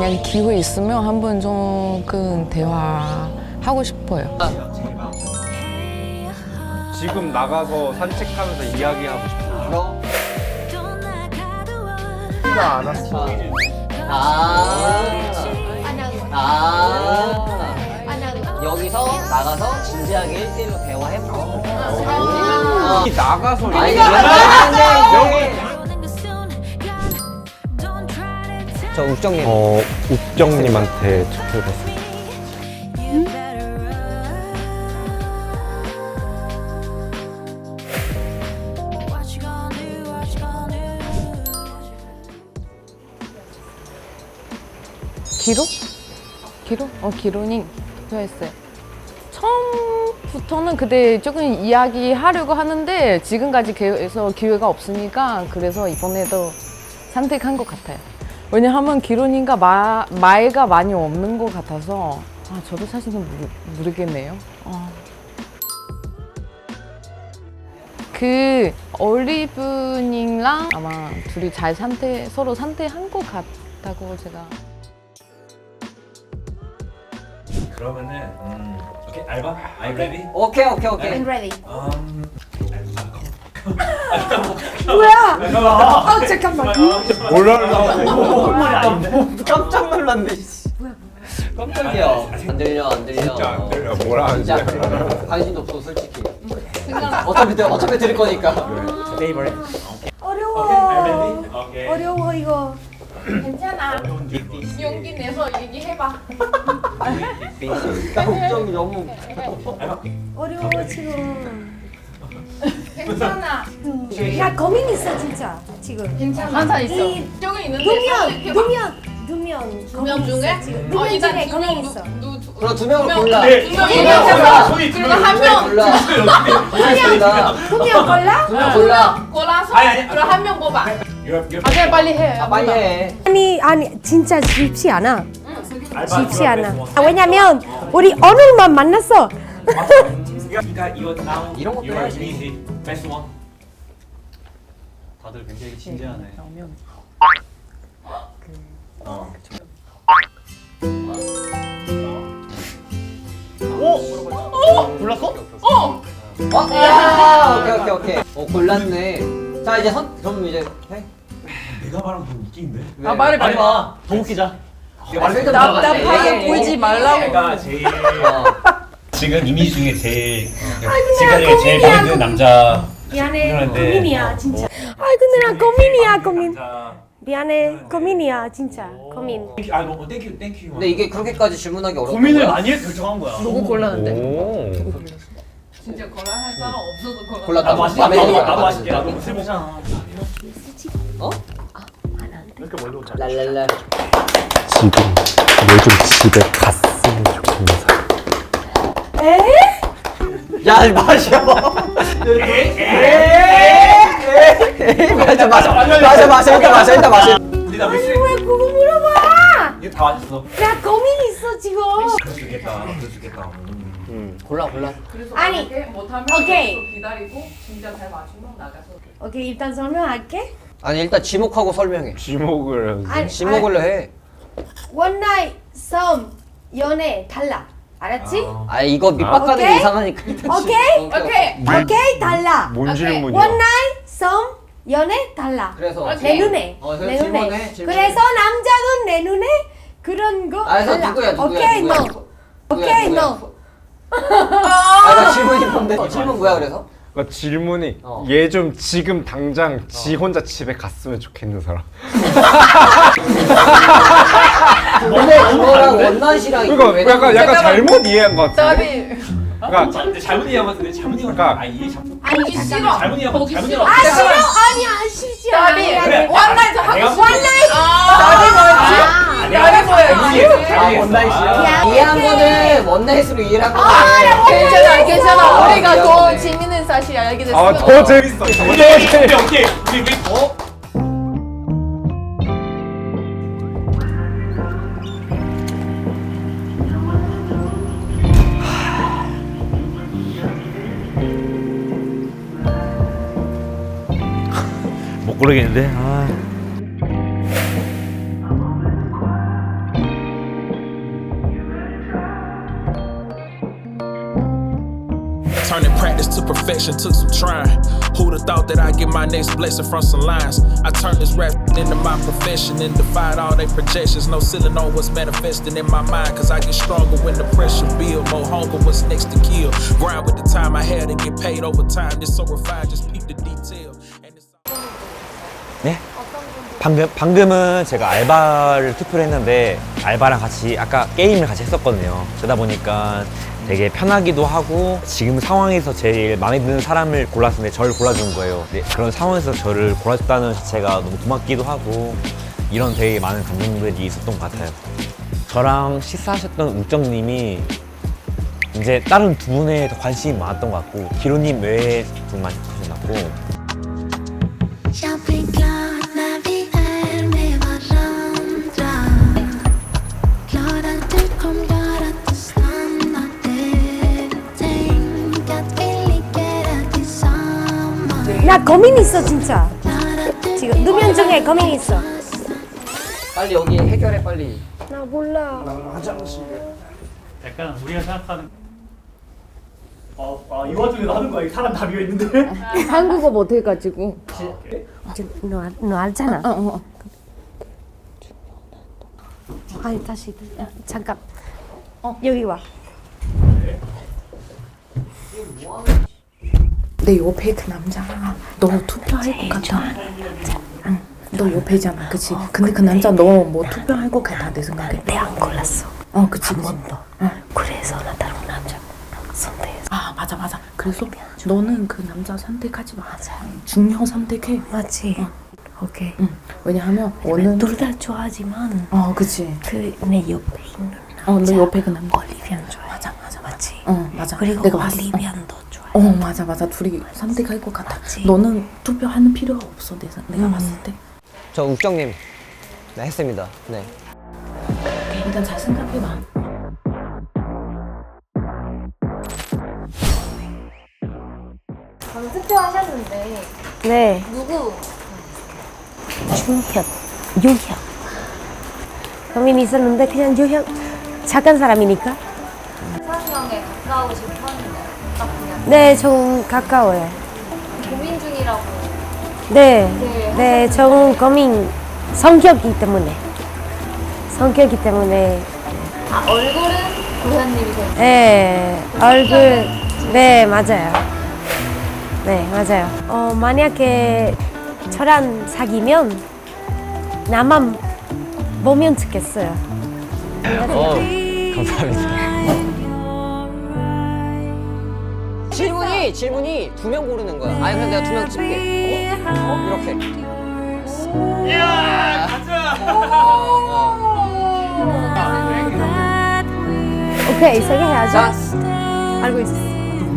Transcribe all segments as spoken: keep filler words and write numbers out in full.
만약 기회 있으면 한번 조금 대화하고 싶어요. 지금 나가서 산책하면서 이야기하고 싶어요. 티가 안 왔어. 아, 아, 여기서 나가서 진지하게 일 대일로 대화해보고. 어. 나가서 아니, 얘기- 여기. 저 욱정님. 어, 욱정님한테 투표했어요. 기로? 기로? 어, 기로님 투표했어요. 처음부터는 그때 조금 이야기하려고 하는데 지금까지 계속 기회가 없으니까 그래서 이번에도 선택한 것 같아요. 왜냐하면 기로님과 마, 말가 많이 없는 것 같아서 아, 저도 사실 좀 모르, 모르겠네요. 어. 그 올리브님랑 아마 둘이 잘 선택, 서로 선택한 것 같다고 제가. 그러면은 음, 오케이 알바? Are you ready? 오케이, 오케이, 오케이. I'm ready. 음, 뭐야? 아 잠깐만. 몰라. 깜짝 놀랐네. 깜짝이야. 안 들려, 안 들려. 진짜 안 들려. 뭐라 하는지. 진짜 관심도 없어, 솔직히. 어차피, 들- 어차피 들을 거니까. favorite. 어려워. Are you ready? Okay. 어려워 이거. 괜찮아. Don't do this. 용기 내서 얘기해봐. 깜짝이 너무. 어려워 지금. 괜찮아. 야 고민 있어 진짜 지금. 괜찮아. 항상 있어. 이 조금 있는데. 두명 두명 두명 두명 중에? 두명 중에 고민 있어. 그럼 두 명을 골라. 네. 두 명이 두 명을 있어. 골라. 손이 두 그리고 명이 한 명. 골라. 골라. 두명 골라? 두명 골라. 골라서 아니, 아니. 그럼 한 명 뽑아. You're, you're 아, 그냥 빨리 해. 아, 빨리 해. 아니 아니 진짜 쉽지 않아. 알바 쉽지 you're 않아. best 아, one. 왜냐면 우리 오늘만 만났어. 그러니까 이거 now 이런 것도 you're 해야지. easy. Best one. 다들 굉장히 진지하네. 골랐어? 어? 야! 오케이, 오케이, 오케이. 어, 골랐네. 자, 이제 선, 그럼 이제 해. 내가 말하면 더 웃긴데? 왜? 아, 말해, 빨리 와. 더 웃기자. 아, 설득 답답하게 들어갔네. 굴지 말라고. 내가 제일 어. 지금 이미 중에 제일 아이고, 지금까지 제일 고민이야, 마음에 드는 남자 미안해 그런데- 고민이야 진짜. 아이고 누나 고민이야 고민. 남자 미안해 고민이야 진짜 고민. 아 뭐 땡큐 땡큐 근데 이게 그렇게까지 질문하기 어렵다. 고민을 많이 해서 결정한 거야. 누구 골랐는데? 오. 진짜 골라 할 사람 없어도 골라. 골랐다. 나도 맛있게. 마음에 나도, 들어. 나도 맛있게. 나도 술 먹잖아. 어? 이렇게 멀리 오자. 랄랄라. 지금 요즘 집에 갔으면 좋겠는 사람. 에? 야, 마셔. 맞아, 맞아, 맞아, 맞아, 일단 마셔, 일단 마셔. 우리 다 아니 미스 왜 그거 물어봐? 이거 다 맛있어 나 고민 있어 지금. 그럴 수 있겠다 그럴 수 있겠다 음. 음, 골라, 골라. 그래서 아니, 만약에 못하면 오케이. 계속 기다리고 진짜 잘 맞추면 나가서. 오케이 일단 설명할게. 아니, 일단 지목하고 설명해. 지목을 아니, 지목을 해. 원나잇 썸 연애 달라. 알았지? 아, 이거 밑밥 가는 게 오케이? 이상하니까. 일단 지- 오케이? 오케이. 오케이 달라. 뭔 오케이. 질문이야? 원나잇 썸 연애 달라. 그래서 내 눈에. 어, 그래서 내 질문해, 눈에. 질문해. 그래서 남자는 내 눈에 그런 거 아, 그래서 달라. 누구야, 누구야, 오케이 누구야, 너. 누구야, 오케이 누구야? 너. 아, 나 질문이 뭔데? 어, 질문 뭐야, 그래서? 그러니까 질문이 어. 얘 좀 지금 당장 지 혼자 집에 갔으면 좋겠는 사람. 근데 그거랑 원나잇이랑 그러니까 왜 약간 다르지? 약간 잘못 이해한 것 같은데. 짜리. 그러니까 근데 잘못 이해한 것 같은데 잘못 이해한 것 그러니까- 같아 아 이해 잘못 보기 싫어. 잘못 이해한 것 보기 잘못 싫어. 이해한 아 것 싫어? 아니야 싫지 않아. 짜리. 그래. 원나잇 하고 내가 싶어. 나리 뭐였지? 나리 뭐였지? 아 원나잇이야? 이해한 거는 원나잇으로 이해를 한 거야. 아, 괜찮아, 괜찮아. 우리가 더 재밌는 사실 알게 됐어. 아 더 재밌어. 더 오케이 재밌어. 오케이 우리 우리 더 못 고르겠는데. 아. Turning practice to perfection took some trying. Who'd have thought that I'd get my next blessing from some lines? I turned this rap into my profession and defied all their projections. No ceiling on what's manifesting in my mind, cause I get stronger when the pressure build. More hunger, what's next to kill. Grind with the time I had and get paid over time. This so refined, just peep the detail. And it's 네? 방금, 방금은 제가 알바를 투표를 했는데 알바랑 같이 아까 게임을 같이 했었거든요. 그러다 보니까 되게 편하기도 하고 지금 상황에서 제일 마음에 드는 사람을 골랐는데 저를 골라준 거예요. 네, 그런 상황에서 저를 골라줬다는 자체가 너무 고맙기도 하고 이런 되게 많은 감정들이 있었던 것 같아요. 저랑 식사하셨던 우정님이 이제 다른 두 분에 더 관심이 많았던 것 같고 기로님 외에 두 분 많이 하셨고 Jag blir glad när vi är med varandra. Glad att du kom, glad att du stannade. Tänk att vi ligger här tillsammans. 나 고민 있어 진짜. Glad att du 지금 누면 중에 고민 있어. 빨리 여기 해결해 빨리. 나 몰라. 약간 우리가 생각하는 어, 아, 이 와중에 하는 거야. 사람 다 비어 있는데. 한국어 못해가지고. 너, 알- 너 알잖아. 어, 어. 아니 다시 야, 잠깐. 어 여기 와. 내 옆에 그 남자 너 투표할 것 같아. 응. 너 옆에잖아, 그치? 근데 그 남자 너 뭐 투표할 것 같아 내 생각에. 내가 안 골랐어. 어, 그치. 한 번도. 응. 그래서 나 다른 남자 선택했어. 아, 맞아, 맞아. 그래서 너는 그 남자 선택하지 마. 중요 선택해. 맞지? 어. 오케이. 응. 왜냐하면 오늘 둘 다 좋아하지만 어, 그치. 그 내 옆에 있는 남자. 어, 너 옆에 그 남자. 올리비안 좋아해. 맞아, 맞아, 맞지? 어, 맞아. 그리고 내가 봤어. 올리비안도 좋아해. 어, 맞아, 맞아. 둘이 선택할 것 같아. 맞지? 너는 투표하는 필요가 없어, 내, 내가 음. 봤을 때. 저 욱정님. 네 했습니다. 네. 오케이, 일단 잘 생각해봐. 방금 투표하셨는데 네. 누구? 준현, 유현. 고민이 있었는데 그냥 유현 작은 사람이니까. 이상형에 가까우신 편인가요? 딱 그냥 네, 좀 가까워요. 고민 중이라고. 네, 네, 네, 좀 고민 성격이 때문에 성격이 때문에. 아 얼굴은 고현님이세요? 네, 얼굴. 네, 맞아요. 네, 맞아요. 어, 만약에 저랑 사귀면 나만 보면 좋겠어요. 어, 감사합니다. 질문이 질문이 두 명 고르는 거야. 아니 그럼 내가 두 명 찍게. 어? 어? 이렇게. 야, 가자. 오케이, 세게 해야죠. 자, 알고 있었어.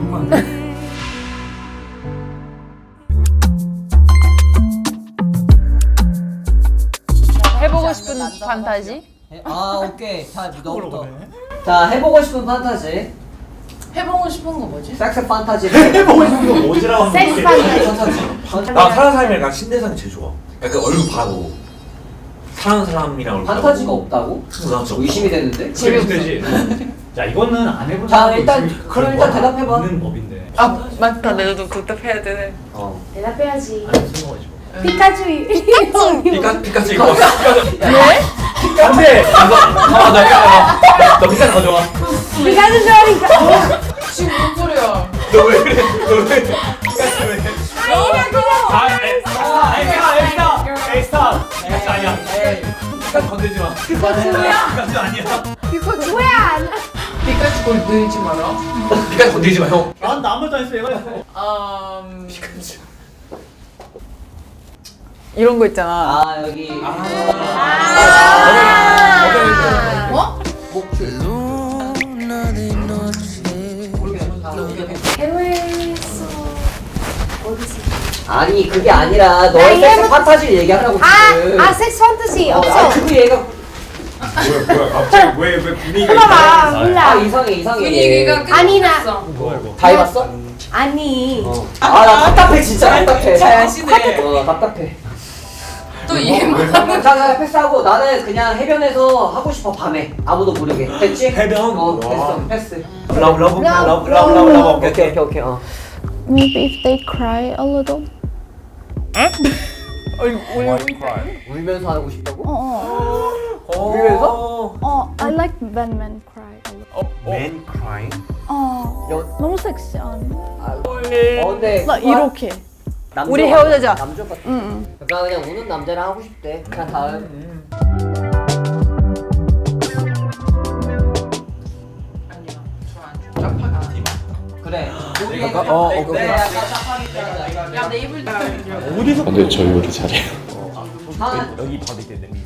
해보고 싶은 판타지? 아 오케이. 자 너부터. 자 해보고 싶은 판타지. 해보고 싶은 거 뭐지? 섹스 판타지. 해보고 싶은 거 뭐지라고 하는 섹스 건데. 판타지. 나 사는 사람이랑 난 신대상이 제일 좋아. 약간 얼굴 봐도 사는 사람이랑 얼굴 판타지가 없다고? 나 진짜 의심이 되는데. 재밌지. 자, 이거는 안 해본 자, 사람도 일단 있으니까 그럼 그런 일단 거 대답해봐. 있는 법인데. 아, 맞다. 내가 그때 되네. 어. 대답해야지. 안 숨어가지고. 피카츄. 피카 피카츄 이거 피카츄. 왜? 안돼. 아, 나 이거 너 피카츄 가져와. 피카츄 좋아하니까. 지금 뭔 소리야? 너 왜 그래? 너 왜? 피카츄 왜? 아, 에, 아, 에스타, 에스타, 에스타. 에스타 아니야. 피카츄 건들지 마. 피카츄 뭐야? 피카츄 아니야. 피카츄 뭐야? 피카츄 건들지 마라. 피카츄 건들지 마 형. 난 아무것도 안 했어. 얘가 했어. 음... 피카츄. 이런 거 있잖아. 아 여기. 어? 해외에서 어디서? 아니 그게 아니라 너의 나 섹스 이해못- 판타지를 얘기하라고 지금. 아, 아, 섹스 판타지 어, 없어. 아 그거 얘가. 뭐야 뭐야 갑자기 왜 왜 분위기가 봐봐, 이상해? 몰라. 아 이상해 이상해. 분위기가 아니, 나- 끝났어. 다 해봤어? 아니. 아 나 답답해 진짜 답답해. 자연시네. 어 답답해. 또 이해만 자, 자, 패스하고 나는 그냥 해변에서 하고 싶어 밤에 아무도 모르게. 됐지? 해변? 어, 됐어. 패스. 러브 러브 러브 러브 러브 러브. 오케이, 오케이, 오케이. 어. Maybe if they cry a little. 울면서 하고 싶다고? 어, 울면서? 어, I like when men cry a little. Man crying? 어, 여- 너무 섹시한. 어, 근데 나 이렇게. 남자 우리 같아. 헤어지자. 남자 같아. 응. 나 그냥 우는 남자랑 하고 싶대. 그냥 다음. 그래. 약간 어 어, 그래. 어. 약간 짜파게티. 어디서? 근데 저 요리 잘해요. 여기 바비큐 냄비.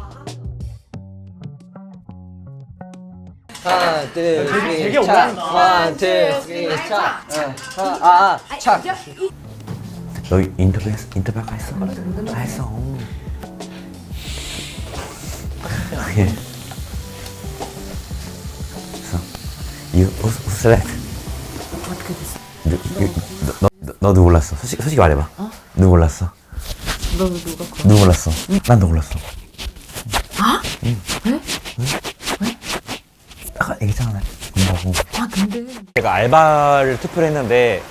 하나, 둘, 되게 셋, 차. 하나, 둘, 셋, 차. 어, 아, 아, 차. 너 인터뷰 했, 인터뷰 아까 했어? 다 했어. 그게. 그래서 you who select? 어떻게 됐어? 누, 너, 너, 너, 너도 몰랐어. 솔직히 솔직히 말해봐. 어? 누구 몰랐어? 너 누가 그러 누구 몰랐어? 난 너 몰랐어. 아? 응. 왜? 왜? 아까 얘기했잖아. 나 본다고. 아 근데 제가 알바를 투표를 했는데.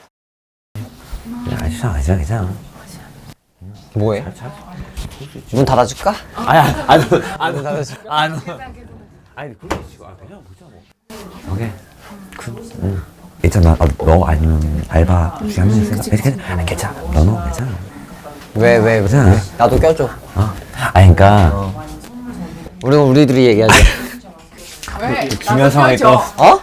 야, 괜찮아, 괜찮아, 괜찮아. 뭐해? 문 닫아줄까? 아야, 안, 안, 닫아줄까? 안. 아니, 그렇게 치고, 아, 그냥 보자 뭐. 오케이. 그, 응. 있잖아, 어, 너 아니면 알바 중에 한 명이 생각. 괜찮아, 괜찮아. 너너 괜찮아. 왜, 왜, 괜찮아. 왜? 나도 껴줘. 어. 아니, 그러니까. 우리는 우리들이 얘기하자. 왜? 중요한 상황이 또. 어?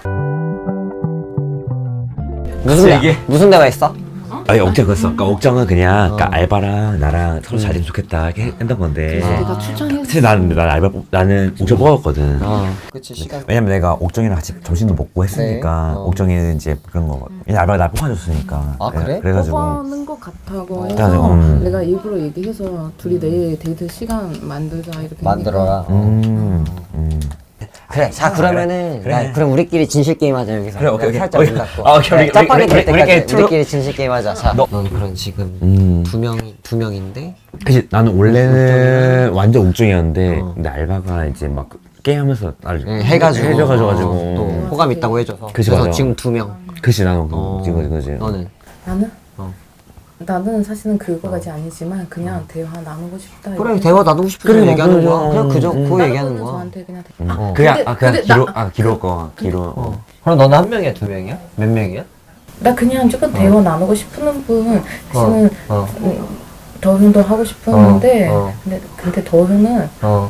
무슨 대, 이게- 무슨 대화 있어? 아니, 옥정 그랬어. 그러니까 옥정은 그냥, 그러니까 알바랑 나랑 서로 잘 되면 좋겠다 이렇게 했던 건데. 내가 추천했어. 사실 나는, 나는 알바, 뽑- 나는 옥정 뽑았거든. 어, 그치, 시간. 왜냐면 내가 옥정이랑 같이 점심도 먹고 했으니까 네. 어. 옥정이는 이제 그런 거 왜냐면 알바가 날 뽑아줬으니까 아, 그래? 그래가지고 뽑아는 것 같다고 해서 그래가지고, 음. 내가 일부러 얘기해서 둘이 내일 데이트 시간 만들자 이렇게 만들어라. 음, 음. 그래, 자, 그러면은, 그래. 야, 그럼 우리끼리 진실 게임 하자, 여기서. 그래, 오케이, 오케이. 살짝 오케이. 문 닫고. 아, 오케이, 우리- 짜파게티 우리- 될 우리- 때까지 우리끼리 트루- 우리끼리 진실 게임 하자. 자, 너- 넌 그럼 지금 음. 두 명, 두 명인데? 그치 나는 원래는 완전 옥정이었는데 어. 근데 알바가 이제 막 게임하면서 나를 응, 해가지고. 해줘가지고 어, 또 호감 있다고 해줘서. 그치, 그래서 맞아. 지금 두 명. 그치 나는 어. 그 지금 거지 너는? 나는? 어. 나는 사실은 그거까지 아니지만 그냥 대화 나누고 싶다. 그래, 이렇게. 대화 나누고 싶은 그래, 거 얘기하는 그래, 거야. 그냥 그저, 음. 그거 다른 얘기하는 거는 거야. 저한테 그냥 대- 음. 어. 그냥 근데- 아 그냥 근데 기로 나- 아 기로 거 기로 어. 그럼 너는 한 명이야, 두 명이야? 몇 명이야? 나 그냥 조금 대화 나누고 싶은 분 사실은 어. 음, 더훈도 하고 싶었는데 어, 어. 근데 근데 더훈은 어.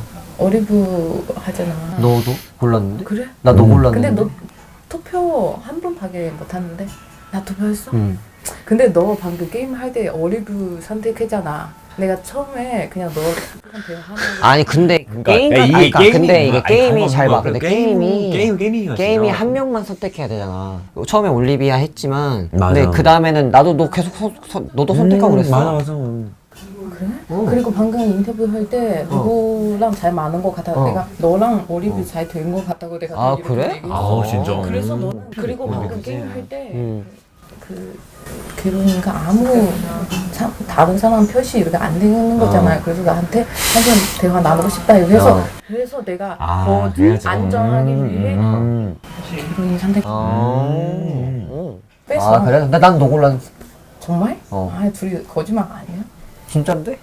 어리부하잖아. 너도 골랐는데? 그래? 나 너 음. 골랐는데. 근데 너 투표 한 번밖에 못 하는데 나 투표했어? 응. 근데 너 방금 게임 할 때 어리부 선택했잖아. 내가 처음에 그냥 너랑 대화하는 거. 아니 근데 그러니까 게임 야, 아니, 그러니까 게임이- 근데 이게 아니, 게임이 아니, 잘 봐. 그래, 근데 게임, 게임이 게임 게임이야 게임이 진짜. 한 명만 선택해야 되잖아. 처음에 올리비아 했지만 맞아. 근데 그 다음에는 나도 너 계속 서, 서, 너도 선택하고 그랬어. 맞아 맞아 그래? 어. 그리고 방금 인터뷰 할 때 누구랑 잘 맞는 것 같아. 어. 내가 너랑 어리부 잘 된 것 같다고 내가 아, 이렇게 그래? 얘기했어. 아 진짜 그래서 너는 그리고 방금 그치. 게임 할 때 음. 그 그러니까 아무 사, 다른 사람 표시 이렇게 안 되는 거잖아요. 그래서 나한테 한번 대화 나누고 싶다 이렇게 해서 어. 그래서 내가 아 더 그래가지고. 안정하기 위해 음, 기론이 선택. 아, 음. 음. 뺐어. 아 그래? 난 너 골랐어. 정말? 어. 아 둘이 거짓말 아니야? 진짠데?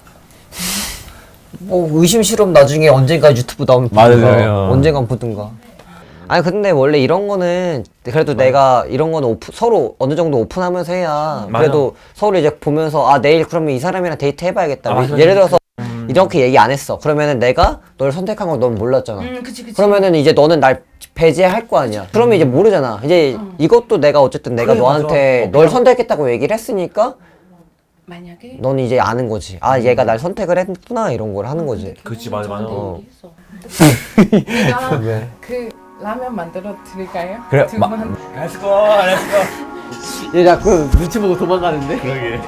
뭐 의심 실험 나중에 언젠가 유튜브 나오면 보든가 맞아요. 언젠가 보든가. 아니 근데 원래 이런 거는 그래도 내가 이런 거는 오프, 서로 어느 정도 오픈하면서 해야 맞아. 그래도 서로 이제 보면서 아 내일 그러면 이 사람이랑 데이트 해봐야겠다. 아, 맞아, 예를 맞아. 들어서 이렇게 얘기 안 했어. 그러면은 내가 널 선택한 걸 넌 몰랐잖아. 응, 그치 그치. 그러면은 이제 너는 날 배제할 거 아니야. 그러면 이제 모르잖아. 이제 이것도 내가 어쨌든 내가 그래, 너한테 맞아. 어, 널 선택했다고 얘기를 했으니까 만약에 넌 이제 아는 거지. 아 얘가 날 선택을 했구나 이런 걸 하는 거지. 그치 맞아 맞아 어. 내가 왜? 그 라면 만들어 드릴까요? 그래, 두 마- 분. 렛츠고 렛츠고 얘 자꾸 눈치 보고 도망가는데? 그러게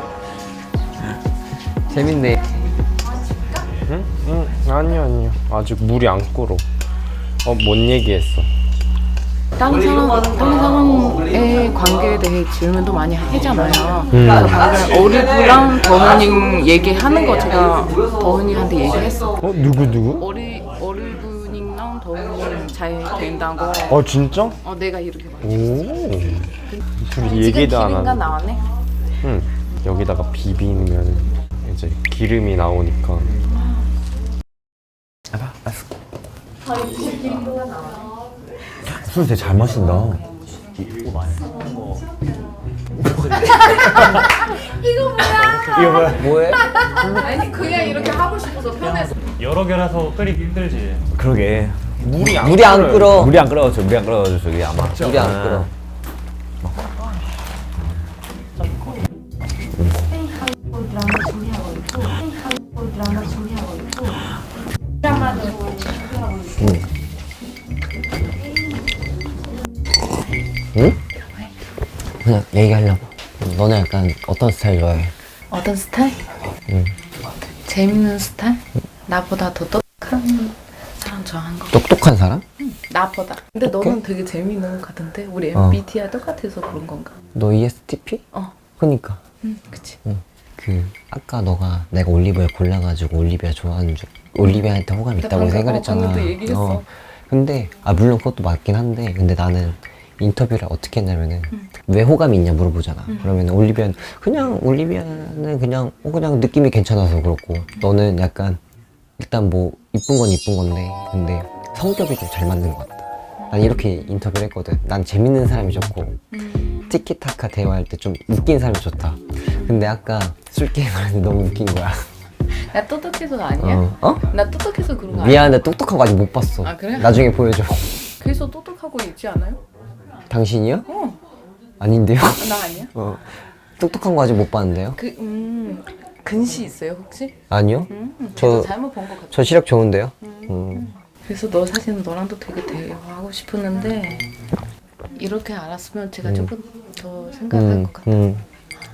재밌네. 응? 응 아니요 아니요 아직 물이 안 끓어. 어 뭔 얘기했어? 다른 사람, 다른 사람의 관계에 대해 질문도 많이 하잖아요. 음. 방금 어리부랑 더은님 얘기하는 거 제가 더은이한테 얘기했어. 어 누구 누구? 어리 어리부님랑 더은님 잘 된다고. 어 진짜? 어 내가 이렇게 말했어. 오. 둘이 얘기도 안 기름가 하는. 나왔네. 응. 여기다가 비비면 이제 기름이 나오니까. 술 되게 잘 마신다. 뭐해? 아니 그냥 이렇게 하고 싶어서 편해서. 여러 개라서 끓이기 힘들지. 그러게. 물이 안 물이 안 끓어. 물이 안 끓어가지고 물이 안 끓어가지고 저기 아마. 물이 안 끓어. 드라마 준비하고 있고 한국 드라마 준비하고 있고 드라마도 준비하고 있고 응? 그냥 얘기하려고. 너네 약간 어떤 스타일 좋아해? 어떤 스타일? 응. 재밌는 스타일? 나보다 더 똑똑한 사람 좋아하는 거. 똑똑한 사람? 응, 나보다. 근데 너는 되게 재밌는 것 같은데 우리 어. 엠비티아이 똑같아서 그런 건가? 너 이에스티피? 어. 그니까. 응, 그치. 응. 그 아까 너가 내가 올리비아 골라가지고 올리비아 좋아하는 줄 올리비아한테 호감 근데 있다고 방금, 생각했잖아. 어, 방금도 얘기했어. 근데 아 물론 그것도 맞긴 한데 근데 나는 인터뷰를 어떻게 했냐면은 응. 왜 호감이 있냐 물어보잖아. 응. 그러면 올리비아는 그냥 올리비아는 그냥 어 그냥 느낌이 괜찮아서 그렇고 너는 약간 일단 뭐 이쁜 건 이쁜 건데 근데 성격이 좀 잘 맞는 것 같다. 난 이렇게 인터뷰를 했거든. 난 재밌는 사람이 좋고 음. 티키타카 대화할 때 좀 웃긴 사람이 좋다. 근데 아까 술 게임 하는데 너무 웃긴 거야. 나 똑똑해서 아니야? 어? 어? 나 똑똑해서 그런 거 아니야? 미안한데 똑똑한 거 아직 못 봤어. 아, 그래? 나중에 보여줘. 그래서 똑똑하고 있지 않아요? 당신이요? 어. 아닌데요? 나 아니야? 어. 똑똑한 거 아직 못 봤는데요? 그, 음, 근시 있어요 혹시? 아니요? 음, 저- 저 잘못 본 것 같아. 저 시력 좋은데요? 음. 그래서 너 사실은 너랑도 되게 대화하고 싶었는데 이렇게 알았으면 제가 음. 조금 더 생각할 음, 것 같아. 음.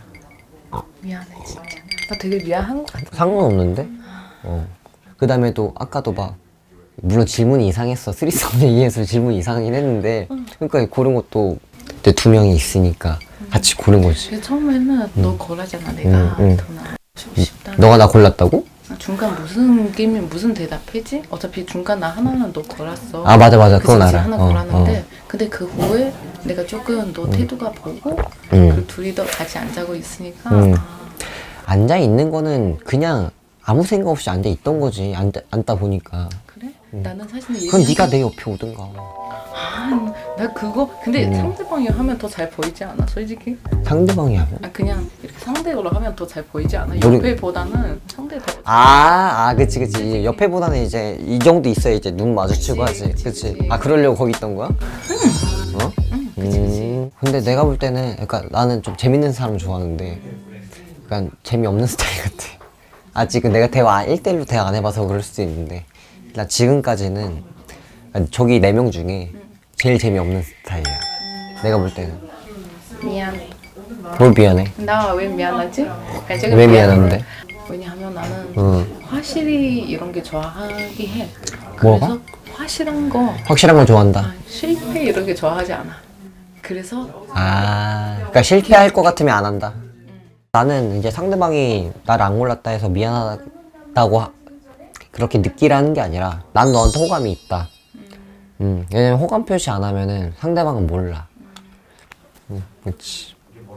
미안해 진짜. 나 되게 미안한 것 같아. 상관없는데? 어. 그 다음에 또 아까도 막 물론 질문이 이상했어. 쓰리썸 얘기해서 질문이 이상하긴 했는데 그러니까 고른 것도 이제 두 명이 있으니까 같이 고른 거지. 그래서 처음에는 너 거라잖아 내가. 음, 음. 더 나아지고 싶다. 너가 나 골랐다고? 아, 중간 무슨 게임이 무슨 대답이지? 어차피 중간 나 하나는 너 걸었어. 아 맞아 맞아 그건 그치, 알아. 하나 어, 걸었는데 어. 근데 그 후에 내가 조금 너 태도가 보고 음. 그 둘이 더 같이 앉아고 있으니까 음. 아, 앉아 있는 거는 그냥 아무 생각 없이 앉아 있던 거지. 앉아, 앉다 보니까. 그래? 나는 사실 그건 얘기하는 네가 내 옆에 오든가. 아, 나 그거 근데 음. 상대방이 하면 더 잘 보이지 않아 솔직히? 상대방이 하면? 아 그냥 이렇게 상대로 하면 더 잘 보이지 않아? 모르- 옆에보다는 상대 더 아, 아, 그치, 그치. 이제 옆에보다는 이제 이 정도 있어야 이제 눈 마주치고 그치, 하지. 그치, 그치. 그치. 아, 그러려고 거기 있던 거야? 어? 응 그치 그치 음, 근데 내가 볼 때는, 그러니까 나는 좀 재밌는 사람 좋아하는데, 약간 재미없는 스타일 같아. 아직은 내가 대화, 일 대일로 대화 안 해봐서 그럴 수도 있는데, 나 지금까지는, 아니, 저기 네 명 중에 제일 재미없는 스타일이야. 내가 볼 때는. 미안해. 뭘 미안해? 나 왜 미안하지? 그냥 제가 왜 미안해. 미안한데? 왜냐하면 나는 어. 화실이 이런 게 좋아하기 해. 뭐가? 그래서 화실한 거, 확실한 걸 좋아한다. 아, 실패 이런 게 좋아하지 않아. 그래서 아, 그러니까 실패할 것 같으면 안 한다. 나는 이제 상대방이 나를 안 골랐다 해서 미안하다고 하- 그렇게 느끼라는 게 아니라 난 너한테 호감이 있다. 음, 왜냐면 호감 표시 안 하면은 상대방은 몰라. 음, 그렇지.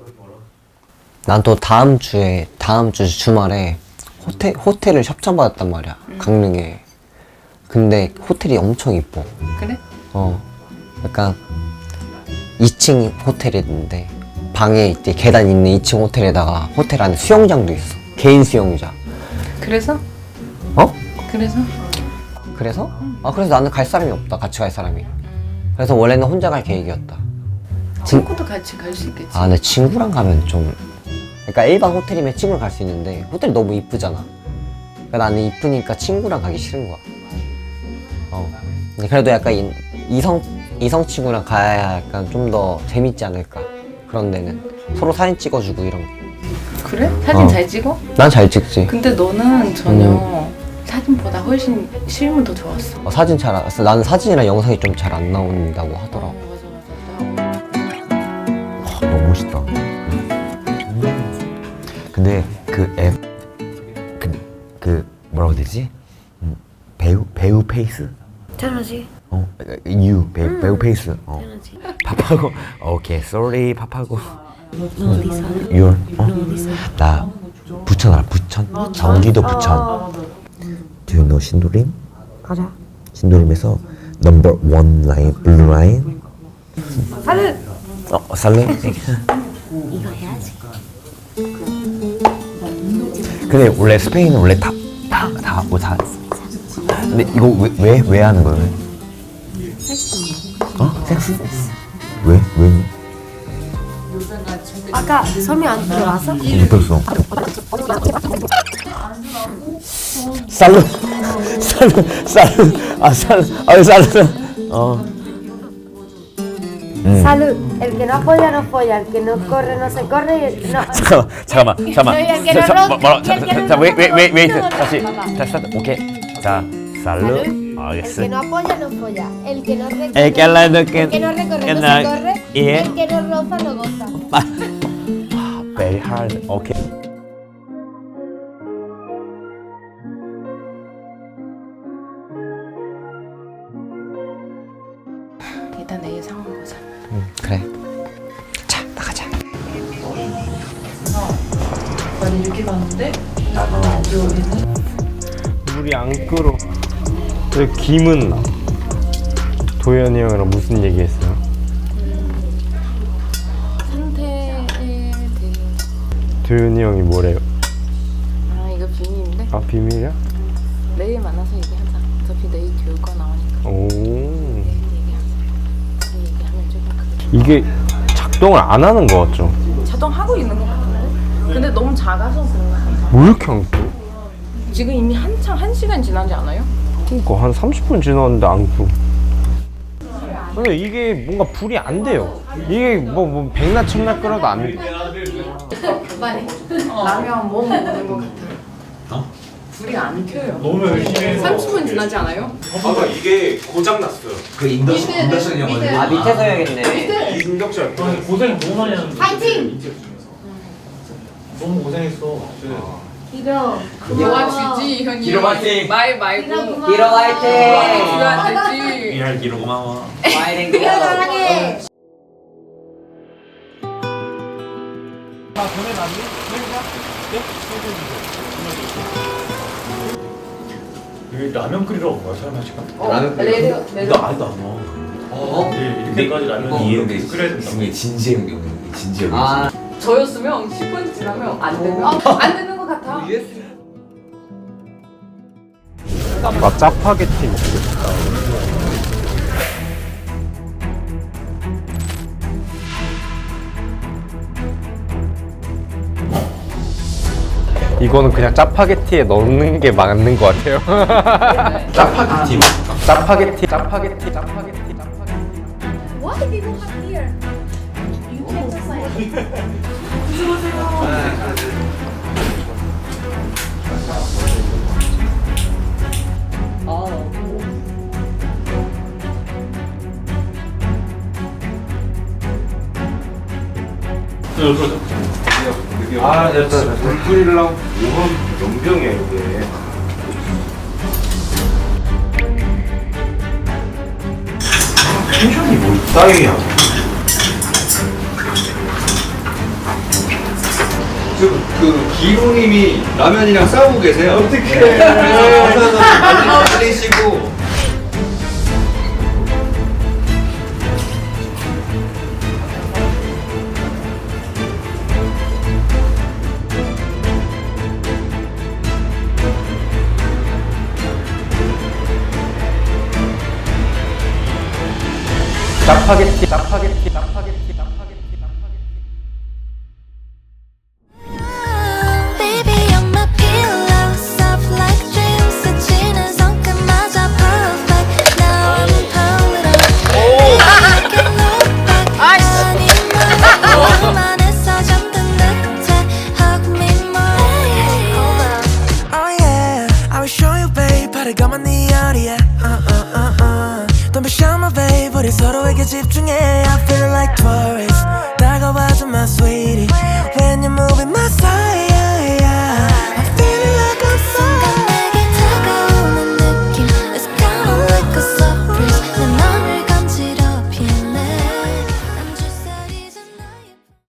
난 또 다음 주에 다음 주 주말에 호텔 호텔을 협찬받았단 말이야. 강릉에. 근데 호텔이 엄청 이뻐. 그래? 어, 약간 이 층 호텔인데 방에 이제 계단 있는 이 층 호텔에다가 호텔 안에 수영장도 있어. 개인 수영장. 그래서? 어? 그래서? 그래서? 아 그래서 나는 갈 사람이 없다. 같이 갈 사람이. 그래서 원래는 혼자 갈 계획이었다. 친구도 같이 갈 수 있겠지. 아, 근데 친구랑 가면 좀 그러니까 일반 호텔이면 친구랑 갈 수 있는데 호텔이 너무 이쁘잖아. 그러니까 나는 이쁘니까 친구랑 가기 싫은 거야. 어. 근데 그래도 약간 이, 이성 이성 친구랑 가야 약간 좀 더 재밌지 않을까. 그런 데는 서로 사진 찍어주고 이런 거. 그래? 사진 어. 잘 찍어? 난 잘 찍지. 근데 너는 전혀 음. 사진보다 훨씬 실물 더 좋았어. 어, 사진 잘 안, 나는 사진이랑 영상이 좀 잘 안 나온다고 하더라고. 어, 맞아 맞아. 맛있다. 음. 근데 그 앱, 그, 그 뭐라고 해야 되지? 음, 배우 배우 페이스? 당연하지. 어, 유 배우 음. 배우 페이스. 어. 당연하지. pap하고 오케이, sorry pap하고. 너 어디 살아? Your 어? 너 어디 살아? 나 부천 알아? 부천? 경기도 부천. Do you know 신도림? 알아. 신도림에서 number one line blue line. 살은 어, 살래? 이거 해야지. 근데 원래 스페인은 원래 다다다뭐 다. 근데 이거 왜 왜 왜 하는 거예요? 어? 섹스? 왜 왜? 아까 섬이 안 들어와서? 못 들었어. 살루 살루 살루 아 살루 아 살루 어. 음. Salud. El que no apoya no folla, el que no corre no se corre. y- No. 잠깐만 잠깐만 잠깐만. No, y el que 자, no 자, ronca, 뭐- 뭐라- y el que no 자, 웨이 웨이 웨이 웨이 ronca. 다시 자 스타트 오케이 자 살루 El que 알겠어. no apoya no folla, el que no recorre. El que la- el que no recorre que no la- se corre. y- El que no roza no goza. Very hard. 오케이. 일단 내일 상황 보자. 응, 그래. 자 나가자. 많이 이렇게 봤는데 물이 안 끓어. 왜 김은 나? 도현이 형이랑 무슨 얘기했어요? 상태에 대해 도현이 형이 뭐래요? 아 이거 비밀인데 아 비밀이야? 내일 만나서 얘기하자. 어차피 내일 교육과 나오니까 오. 내일 얘기하자. 내일 얘기하면 조금 그래. 이게 작동을 안 하는 거 같죠? 자동하고 있는 것 같은데? 근데 너무 작아서 그런 것 같아. 뭐 이렇게 안 끓어? 지금 이미 한창 한 시간 지나지 않아요? 그러니까 한 삼십 분 지났는데 안 끓어. 근데 이게 뭔가 불이 안 돼요. 이게 뭐, 뭐 백날 천날 끓어도 안 돼. 라면 뭐 먹는 것 같아. 불이 안 켜요. 너무 열심히 삼십 분 지나지 않아요? 아까 이게 고장 났어요. 그 인덕션 인덕션이어가지고. 아 밑에서 해야겠네. 인덕션. 고생 너무 많이 하는데 파이팅! 너무 고생했어. 길어. 도와주지 형이. 기로 화이팅! 말 말고. 기로 화이팅! 도와주면 안 되지. 이할 기로 고마워. 파이팅 길어 사랑해. 여기 라면 끓이러 온 거야 설마 지금? 라면 끓여. 내려 내려. 나 아직도 안 먹어. 어? 네, 이렇게까지 라면 이해인데 끓여야 된다. 이게 진지해 형이 진지해 형이. 아 저였으면 십 분 지나면 안 되면 안 되는 것 같아. 나 짜파게티 먹고 싶다. 이거는 그냥 짜파게티에 넣는 게 맞는 것 같아요. 짜파게티 맛. 짜파게티, 짜파게티, 짜파게티, 짜파게티. Why did you have here? You can't decide. 아 됐다 됐다. 물 끓이려고 오븐 연병이야 이게. 텐션이 뭐 따위야. 지금 그 기로님이 라면이랑 싸우고 계세요. 어떻게? 말리시고. 짜파게티, 짜파게티, 짜파게티.